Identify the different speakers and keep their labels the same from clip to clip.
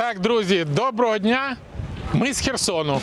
Speaker 1: Так, друзі, доброго дня! Ми з Херсону.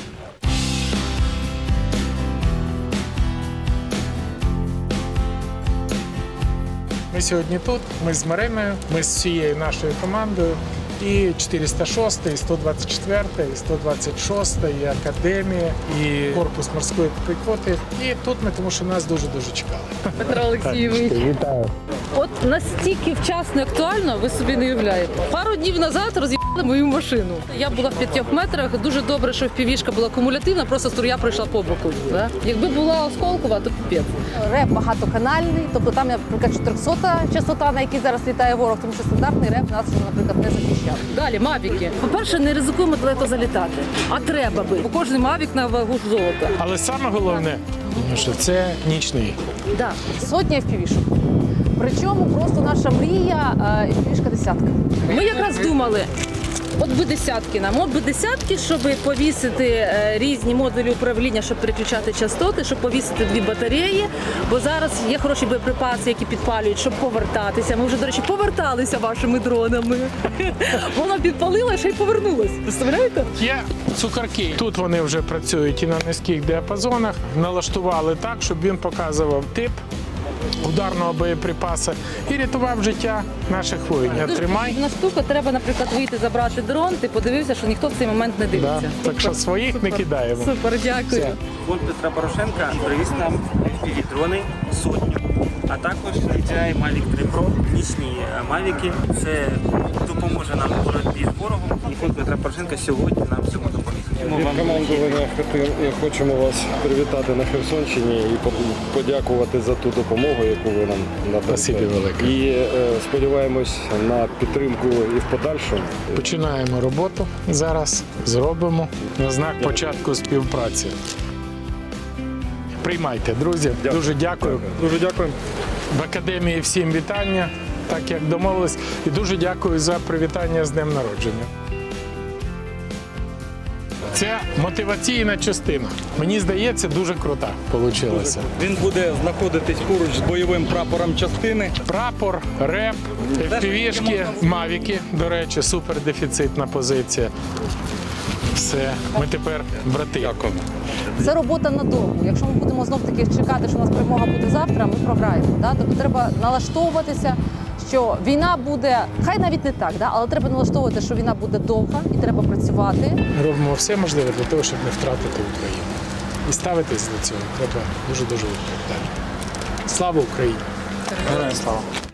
Speaker 1: Ми сьогодні тут, ми з Мариною, ми з всією нашою командою. І 406, і 124, і 126, і Академія, і Корпус морської піхоти. І тут ми, тому що нас дуже-дуже чекали.
Speaker 2: Петро Олексійович.
Speaker 1: Вітаю.
Speaker 2: От настільки вчасно і актуально, ви собі не уявляєте. Пару днів назад роз'їбали мою машину. Я була в 5 метрах, дуже добре, що впівішка була кумулятивна, просто струя пройшла по боку. Да? Якби була осколкова, то піпець.
Speaker 3: Реп багатоканальний, тобто там, наприклад, 400 частота, на якій зараз літає ворог, тому що стандартний реп нас, наприклад, не захищав.
Speaker 2: Далі, мавіки. По-перше, не ризикуємо далеко залітати, а треба би. Бо кожен мавік на вагу золота.
Speaker 1: Але саме головне, що це нічний.
Speaker 3: Да. Сотня впівішок. Причому просто наша мрія впівішка десятка.
Speaker 2: Ми якраз думали, от би десятки нам, от би десятки, щоб повісити різні модулі управління, щоб переключати частоти, щоб повісити 2 батареї, бо зараз є хороші боєприпаси, які підпалюють, щоб повертатися. Ми вже, до речі, поверталися вашими дронами. Воно підпалило, ще й повернулось. Представляєте?
Speaker 1: Є цукорки. Тут вони вже працюють і на низьких діапазонах. Налаштували так, щоб він показував тип ударного боєприпасу і рятував життя наших воїнів. Тримай.
Speaker 2: На штука треба, наприклад, вийти забрати дрон, ти подивився, що ніхто в цей момент не дивиться.
Speaker 1: Да. Так що своїх не кидаємо.
Speaker 2: Супер, дякую.
Speaker 1: Все.
Speaker 4: Фонд Петра Порошенка привіз нам FPV-дрони сотню, а також DJI Mavic 3 Pro, нічні Мавіки. Це допоможе нам у боротьбі з ворогом. І фонд Петра Порошенка сьогодні нам цьому допоміг. Тому
Speaker 5: Від
Speaker 4: вам
Speaker 5: командування хочемо вас привітати на Херсонщині і подякувати за ту допомогу, яку ви нам надали.
Speaker 1: Спасибі велике.
Speaker 5: І сподіваємось на підтримку і в подальшому.
Speaker 1: Починаємо роботу зараз, зробимо на знак початку співпраці. Приймайте, друзі. Дуже дякую.
Speaker 5: Дуже дякую.
Speaker 1: В Академії всім вітання, так як домовились. І дуже дякую за привітання з днем народження. Це мотиваційна частина. Мені здається, дуже крута вийшла.
Speaker 6: Він буде знаходитись поруч з бойовим прапором частини.
Speaker 1: Прапор, реп, FPV-шки, мавіки, до речі, супердефіцитна позиція. Все, ми тепер брати.
Speaker 6: Дякую.
Speaker 3: Це робота надовго. Якщо ми будемо знов-таки чекати, що у нас перемога буде завтра, ми програємо. Да? Тобто треба налаштовуватися, що війна буде, хай навіть не так, да? Але треба налаштовувати, що війна буде довга і треба працювати.
Speaker 1: Робимо все можливе для того, щоб не втратити Україну. І ставитись до цього треба дуже-дуже відповідально. Слава Україні!
Speaker 4: Героям слава!